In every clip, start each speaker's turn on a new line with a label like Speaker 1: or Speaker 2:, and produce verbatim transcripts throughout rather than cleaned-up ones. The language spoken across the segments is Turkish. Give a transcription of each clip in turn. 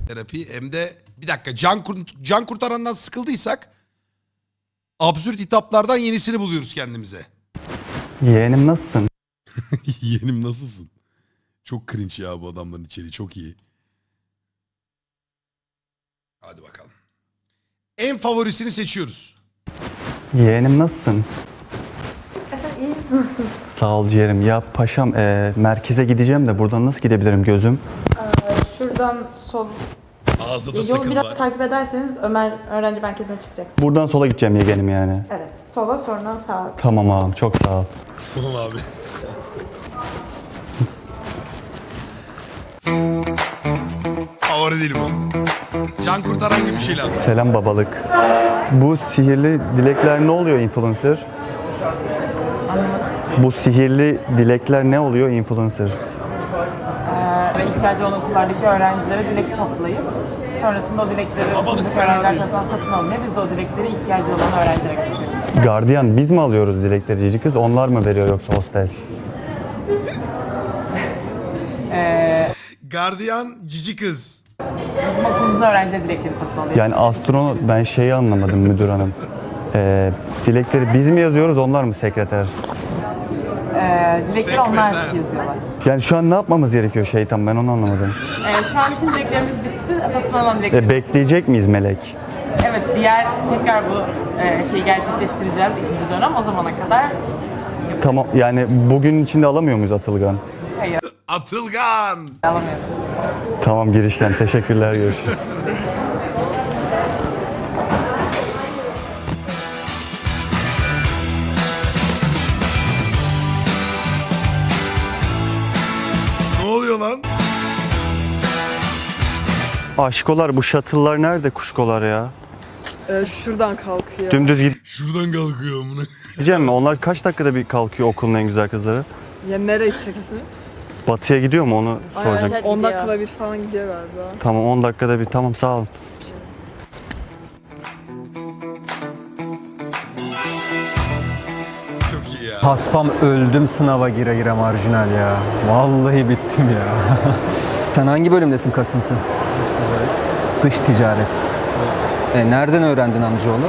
Speaker 1: terapi hem de bir dakika can, kur can kurtarandan sıkıldıysak absürt hitaplardan yenisini buluyoruz kendimize.
Speaker 2: Yeğenim nasılsın?
Speaker 1: Yeğenim nasılsın? Çok cringe ya bu adamların içeriği çok iyi. Hadi bakalım. En favorisini seçiyoruz.
Speaker 2: Yeğenim nasılsın?
Speaker 3: Efendim iyi misiniz?
Speaker 2: Sağ ol ciğerim. Ya paşam e, merkeze gideceğim de buradan nasıl gidebilirim gözüm?
Speaker 3: Şuradan sol.
Speaker 1: Ağızda da
Speaker 3: Yolu
Speaker 1: sakız
Speaker 3: biraz
Speaker 1: var.
Speaker 3: takip ederseniz Ömer öğrenci merkezine çıkacaksınız.
Speaker 2: Buradan sola gideceğim yeğenim yani.
Speaker 3: Evet. Sola sonra sağa.
Speaker 2: Tamam ağam çok sağ ol.
Speaker 1: Tamam abi. Favori değilim o. Can kurtaran gibi bir şey lazım.
Speaker 2: Selam babalık. Bu sihirli dilekler ne oluyor influencer? Bu sihirli dilekler ne oluyor influencer?
Speaker 4: ve ihtiyacı olan okullardaki öğrencilere dilek toplayıp sonrasında o dilekleri
Speaker 1: Babalık
Speaker 4: buradaki
Speaker 1: fena
Speaker 4: öğrenciler
Speaker 1: değil.
Speaker 4: tarafından satın alınıyor. Biz de o dilekleri ihtiyacı olan öğrencilere götürüyoruz.
Speaker 2: Gardiyan biz mi alıyoruz dilekleri cici kız? Onlar mı veriyor yoksa hostes?
Speaker 1: Gardiyan cici kız.
Speaker 4: Bizim okulumuzun öğrencileri dilekleri satın alıyor.
Speaker 2: Yani astronot ben şeyi anlamadım müdür hanım. Ee, dilekleri biz mi yazıyoruz onlar mı sekreter?
Speaker 4: Ee, dilekleri onlar
Speaker 1: Sekreter.
Speaker 4: yazıyorlar.
Speaker 2: Yani şu an ne yapmamız gerekiyor şeytan ben onu anlamadım.
Speaker 4: Ee, şu an için dileklerimiz bitti. Satın alan dilekleri.
Speaker 2: E, bekleyecek miyiz melek?
Speaker 4: Evet, diğer tekrar bu e, şeyi gerçekleştireceğiz ikinci dönem. O zamana kadar
Speaker 2: Tamam yani bugün içinde alamıyor muyuz Atılgan?
Speaker 4: hayır
Speaker 1: Atılgan.
Speaker 4: alamıyorsunuz.
Speaker 2: Tamam girişken teşekkürler görüşürüz.
Speaker 1: Ne oluyor lan?
Speaker 2: Aşkolar bu shuttle'lar nerede kuşkolar ya?
Speaker 5: Ee, şuradan kalkıyor.
Speaker 2: Dümdüz
Speaker 1: Şuradan kalkıyor amına.
Speaker 2: gideceğim mi? Onlar kaç dakikada bir kalkıyor okulun en güzel kızları?
Speaker 5: Ya nereye gideceksiniz?
Speaker 2: Batıya gidiyor mu onu soracağım.
Speaker 3: evet.
Speaker 5: on
Speaker 3: gidiyor.
Speaker 5: dakikada bir falan gidiyor galiba.
Speaker 2: Tamam on dakikada bir tamam sağ olun.
Speaker 1: Çok iyi ya.
Speaker 6: Paspam öldüm sınava gire gire marjinal ya. Vallahi bittim ya. Sen hangi bölümdesin kasıntı? Dış ticaret. E, nereden öğrendin amcaoğlu?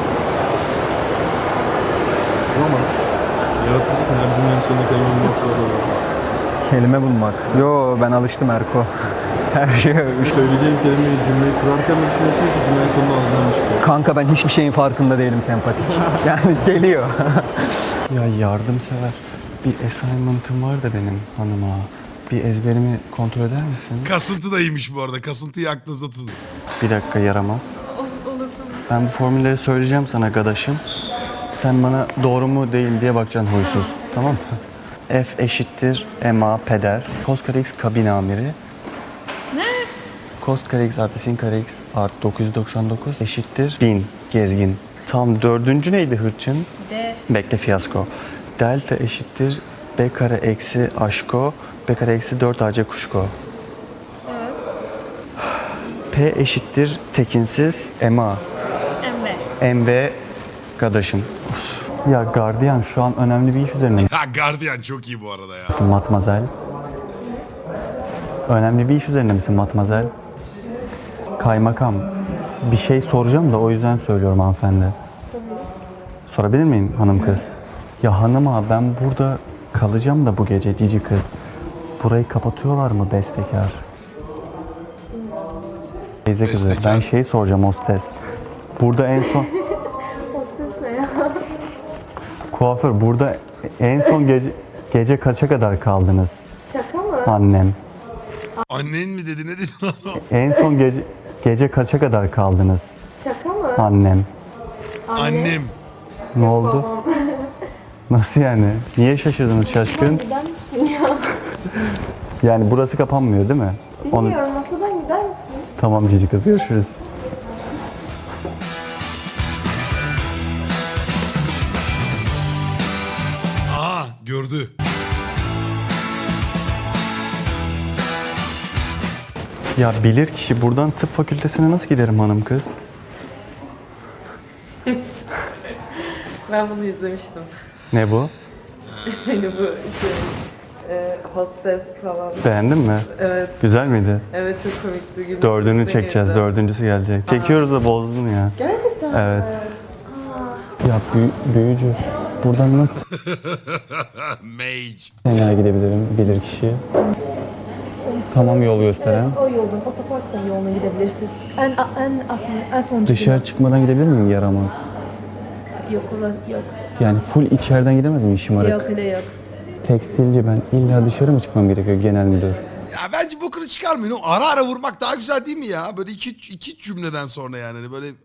Speaker 7: Ama yaratıcısın, her cümlenin sonunda kelime bulmak zor olur.
Speaker 6: Kelime bulmak. Yo ben alıştım Erko. Her şey
Speaker 7: Söyleyeceğin kelimeyi cümleyi kurarken mi düşünüyorsun ki cümlenin sonunda ağzından mı çıkıyor?
Speaker 6: Kanka ben hiçbir şeyin farkında değilim sempatik. Yani geliyor.
Speaker 2: Ya yardımsever bir assignment'ım var da benim hanıma. Bir ezberimi kontrol eder misin?
Speaker 1: Kasıntı da iyiymiş bu arada. Kasıntıyı aklınıza tutun.
Speaker 2: Bir dakika yaramaz. Ben bu formülleri söyleyeceğim sana gadaşım. Sen bana doğru mu değil diye bakacaksın huysuz. Tamam mı? F eşittir ma peder. Cos kare x kabin amiri. Ne? Cos kare x artı sin kare x artı dokuz yüz doksan dokuz eşittir bin gezgin. Tam dördüncü neydi hırçın?
Speaker 3: D.
Speaker 2: Bekle fiyasko. Delta eşittir b kare eksi aşko. B kare eksi dört ac kuşko. P eşittir tekinsiz ma.
Speaker 3: M.
Speaker 2: M gadaşım. Ya gardiyan şu an önemli bir iş üzerine
Speaker 1: Ha gardiyan çok iyi bu arada ya.
Speaker 2: misin matmazel? Önemli bir iş üzerine misin matmazel? Kaymakam. Bir şey soracağım da o yüzden söylüyorum hanımefendi. Sorabilir miyim hanım kız? Ya hanım ağa ben burada kalacağım da bu gece cici kız. Burayı kapatıyorlar mı bestekar? Teyze kızı
Speaker 1: Bestekar.
Speaker 2: ben şey soracağım hostes. Burada en son... Kuaför burada en son gece, gece kaça kadar kaldınız?
Speaker 3: Şaka mı?
Speaker 2: Annem.
Speaker 1: Annen mi dedi ne dedi lan o?
Speaker 2: En son gece gece kaça kadar kaldınız?
Speaker 3: Şaka mı?
Speaker 2: Annem.
Speaker 1: Annem.
Speaker 2: Ne oldu? Nasıl yani? Niye şaşırdınız şaşkın?
Speaker 3: Gider misin ya?
Speaker 2: Yani burası kapanmıyor değil mi? Onu...
Speaker 3: Bilmiyorum, masadan gider misin?
Speaker 2: Tamam cici kız görüşürüz.
Speaker 1: Aa gördü.
Speaker 2: Ya bilir kişi buradan tıp fakültesine nasıl giderim hanım kız?
Speaker 4: Ben bunu izlemiştim.
Speaker 2: Ne bu?
Speaker 4: Hani bu işte e, hostes falan.
Speaker 2: Beğendin mi?
Speaker 4: Evet,
Speaker 2: Güzel miydi?
Speaker 4: evet çok komikti. Güldüm.
Speaker 2: Dördünü
Speaker 4: Güldüm.
Speaker 2: çekeceğiz. Dördüncüsü gelecek. Çekiyoruz da bozdun ya.
Speaker 3: Gerçekten
Speaker 2: Evet. Ya büyü, büyücü. Buradan nasıl
Speaker 1: Mage.
Speaker 2: nereye gidebilirim bilir kişi? Tamam yol gösteren.
Speaker 3: o yolun, otoparktan yoluna gidebilirsiniz. En, en, en son
Speaker 2: Dışarı çıkmadan gidebilir miyim yaramaz?
Speaker 3: Yok, orası yok.
Speaker 2: Yani full içeriden gidemez miyim şımarık?
Speaker 3: Yok, öyle yok.
Speaker 2: Tekstilci ben illa dışarı mı çıkmam gerekiyor genel müdür?
Speaker 1: Ya bence bokunu çıkarmayın. O ara ara vurmak daha güzel değil mi ya? Böyle iki, iki cümleden sonra yani. Hani böyle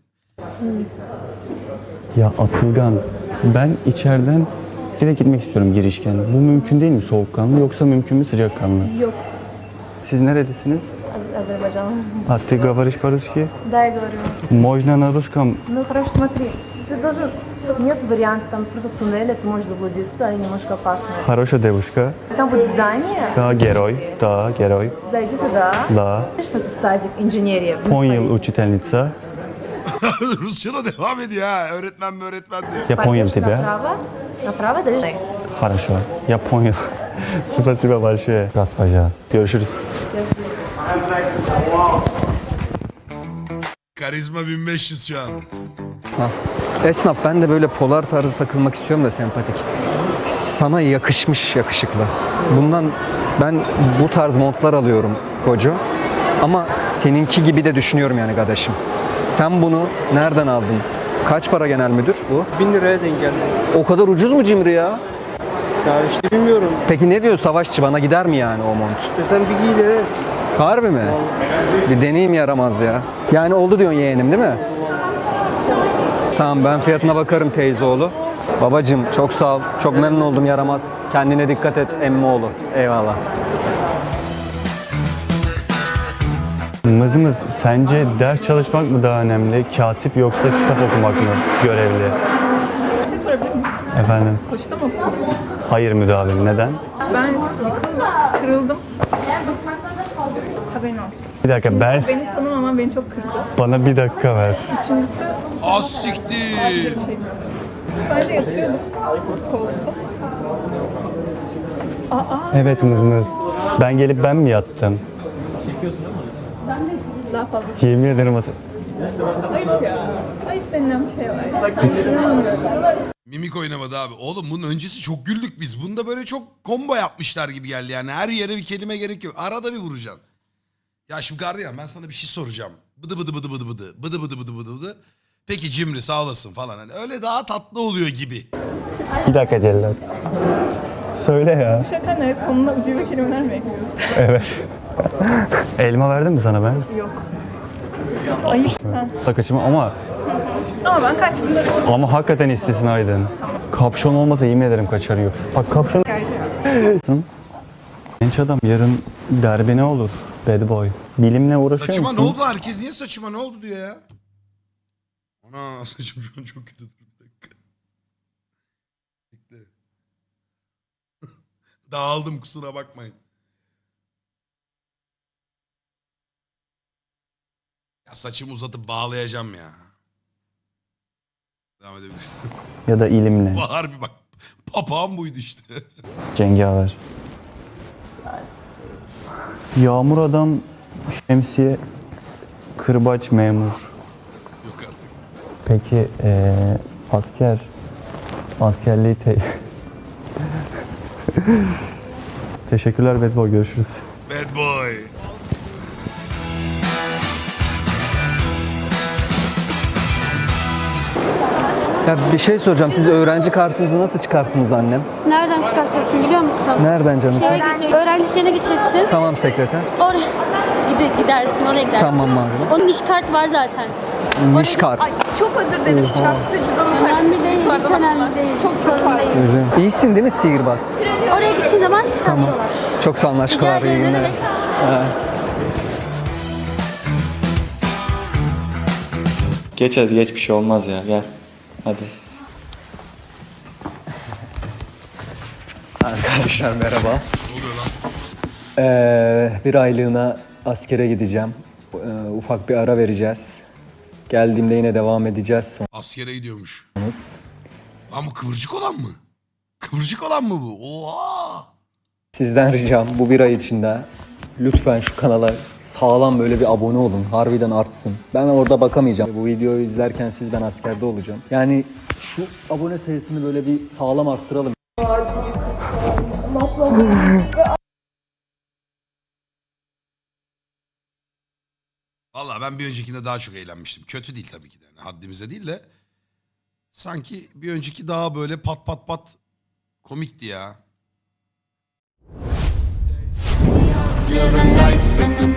Speaker 2: Ya Atılgan ben içeriden direkt gitmek istiyorum girişken. Bu mümkün değil mi soğukkanlı yoksa mümkün mü sıcakkanlı?
Speaker 3: Yok.
Speaker 2: Siz nerelisiniz?
Speaker 3: Az- Азербайджан.
Speaker 2: А ты говоришь по-русски?
Speaker 3: Да, я говорю.
Speaker 2: Можно на русском?
Speaker 3: Ну хорошо, смотри, ты должен... Тут нет вариантов, там просто туннеля, ты можешь заблудиться, и немножко опасно.
Speaker 2: Хорошая девушка.
Speaker 3: Там будет здание,
Speaker 2: Да, герой. Да, герой.
Speaker 3: зайди туда.
Speaker 2: Да.
Speaker 3: Видишь, этот садик, инженерия.
Speaker 2: on yıl учительница.
Speaker 1: Rusça da devam ediyor ha. Öğretmen mi öğretmen diyor.
Speaker 2: Я понял
Speaker 3: Пойдешь
Speaker 2: тебя.
Speaker 3: направо, направо, зайдешь.
Speaker 2: Хорошо. Я понял. Спасибо большое. Госпожа. Görüşürüz.
Speaker 1: Karizma bin beş yüz şu an.
Speaker 6: Esnaf. Esnaf ben de böyle polar tarzı takılmak istiyorum da sempatik. Sana yakışmış yakışıklı. Bundan ben bu tarz montlar alıyorum Gojo. Ama seninki gibi de düşünüyorum yani kardeşim. Sen bunu nereden aldın? Kaç para genel müdür bu?
Speaker 8: bin liraya denk geldi.
Speaker 6: O kadar ucuz mu Cimri ya?
Speaker 8: Ya işte bilmiyorum.
Speaker 6: Peki ne diyor savaşçı, bana gider mi yani o mont?
Speaker 8: İstesen bir giy de.
Speaker 6: Harbi mi? Bir deneyim yaramaz ya. Yani oldu diyorsun yeğenim değil mi? Tamam ben fiyatına bakarım teyzeoğlu. Babacım çok sağ ol. Çok memnun oldum yaramaz. Kendine dikkat et emmioğlu. Eyvallah.
Speaker 2: Mızmız sence ders çalışmak mı daha önemli? Katip yoksa kitap okumak mı görevli?
Speaker 5: Bir şey sorabilir miyim?
Speaker 2: Efendim?
Speaker 5: Koçta mı okuyorsun?
Speaker 2: Hayır müdavim. Neden?
Speaker 5: Ben yıkıldım, kırıldım. Haberin olsun.
Speaker 2: Bir dakika ben
Speaker 5: Beni tanımaman beni çok kırdı.
Speaker 2: bana bir dakika ver.
Speaker 5: İkincisi,
Speaker 1: Az siktir.
Speaker 5: şey. Ben de yatıyordum koltukta. Aa,
Speaker 2: Evet mızmız. Ben gelip ben mi yattım?
Speaker 5: daha fazla.
Speaker 2: Yemin ederim atı.
Speaker 5: Ayıp ya. Ayıp denilen bir şey var. İnanmıyorum.
Speaker 1: Mimik oynamadı abi. Oğlum bunun öncesi çok güldük biz. Bunda böyle çok combo yapmışlar gibi geldi yani. Her yere bir kelime gerek yok. Arada bir vuracaksın. Ya şimdi gardiyan ben sana bir şey soracağım. Bıdı bıdı bıdı bıdı bıdı. Bıdı bıdı bıdı bıdı bıdı. Peki Cimri sağ olasın falan. Hani öyle daha tatlı oluyor gibi.
Speaker 2: Bir dakika Cellat. Söyle ya.
Speaker 5: Şaka ne? Sonuna ucube kelimeler mi ekliyorsun?
Speaker 2: Evet. Elma verdim mi sana ben?
Speaker 5: Yok. Ayıp sen.
Speaker 2: Takıcımı ama
Speaker 5: Ama ben kaçtım.
Speaker 2: ama hakikaten istisnaydın. Kapşon olmasa yemin ederim kaçarıyor. Bak kapşon. Genç adam yarın derbi ne olur? Bad boy. Bilimle uğraşıyor
Speaker 1: Saçıma
Speaker 2: musun?
Speaker 1: ne oldu? Herkes niye saçıma ne oldu diyor ya. Ana saçım şu an çok kötü durum. Bir dakika. Bekle. Dağıldım kusura bakmayın. Ya saçımı uzatıp bağlayacağım ya. Devam edebilirsin.
Speaker 2: Ya da ilimle.
Speaker 1: Harbi bak. Papağan buydu işte.
Speaker 2: Cengaver. Yağmur adam, şemsiye, kırbaç memur.
Speaker 1: Yok artık.
Speaker 2: Peki eee, asker, askerliği te... Teşekkürler Bad Boy, görüşürüz.
Speaker 1: Bad boy.
Speaker 6: Ya bir şey soracağım. Siz öğrenci kartınızı nasıl çıkarttınız annem?
Speaker 9: Nereden çıkartacaksın biliyor musun?
Speaker 6: Nereden canım?
Speaker 9: Şeye gidecek, öğrenci şeyine gideceksin.
Speaker 6: Tamam sekreter.
Speaker 9: Oraya gide, gidersin, oraya gidersin.
Speaker 6: Tamam madem.
Speaker 9: Onun iş kartı var zaten.
Speaker 6: Niş kart.
Speaker 3: Çok özür dilerim. Çarpısı cüzdanımı
Speaker 9: Önemli değil, hiç önemli değil. Çok sorun değil.
Speaker 6: Üzüm. İyisin değil mi sihirbaz?
Speaker 9: Oraya gittiğin zaman çıkartıyorlar.
Speaker 6: Çok sağ olun
Speaker 9: Rica
Speaker 6: aşklar. iyi
Speaker 9: ederim.
Speaker 6: günler.
Speaker 9: Evet.
Speaker 10: Geç hadi geç bir şey olmaz ya gel. Hadi.
Speaker 6: Arkadaşlar merhaba. Ee, bir aylığına askere gideceğim. Ee, ufak bir ara vereceğiz. Geldiğimde yine devam edeceğiz.
Speaker 1: Askere gidiyormuş.
Speaker 6: Sonrası
Speaker 1: Lan bu kıvırcık olan mı? Kıvırcık olan mı bu? Oha!
Speaker 6: Sizden ricam bu bir ay içinde lütfen şu kanala sağlam böyle bir abone olun. Harbiden artsın. Ben orada bakamayacağım. Bu videoyu izlerken siz ben askerde olacağım. Yani şu abone sayısını böyle bir sağlam arttıralım.
Speaker 1: Valla ben bir öncekinde daha çok eğlenmiştim. Kötü değil tabii ki de. Yani haddimize değil de. Sanki bir önceki daha böyle pat pat pat komikti ya.
Speaker 11: Living life in the